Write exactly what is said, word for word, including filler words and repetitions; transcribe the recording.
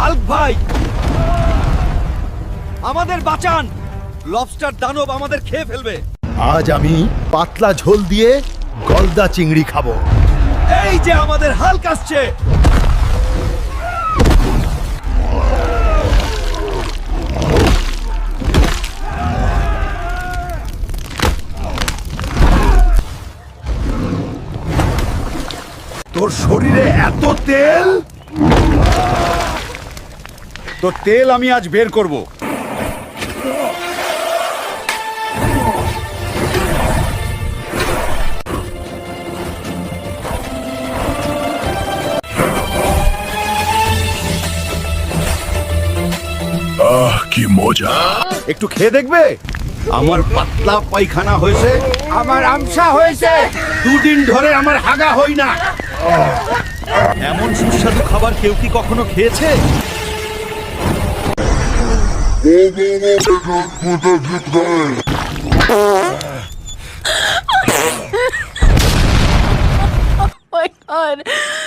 Hulk ভাই, আমাদের বাঁচান, লবস্টার দানব আমাদের খেয়ে ফেলবে। আজ আমি পাতলা ঝোল দিয়ে গলদা চিংড়ি খাবো। এই যে আমাদের হাল্ক আসছে। তোর শরীরে এত তেল, তোর তেল আমি আজ বের করব। আহ কি মজা, একটু খেয়ে দেখবে? আমার পাতলা পায়খানা হয়েছে, আমার আমসা হয়েছে, দুদিন ধরে আমার হাগা হই না। এমন সুস্বাদু খাবার কেউ কি কখনো খেয়েছে? Oh my god.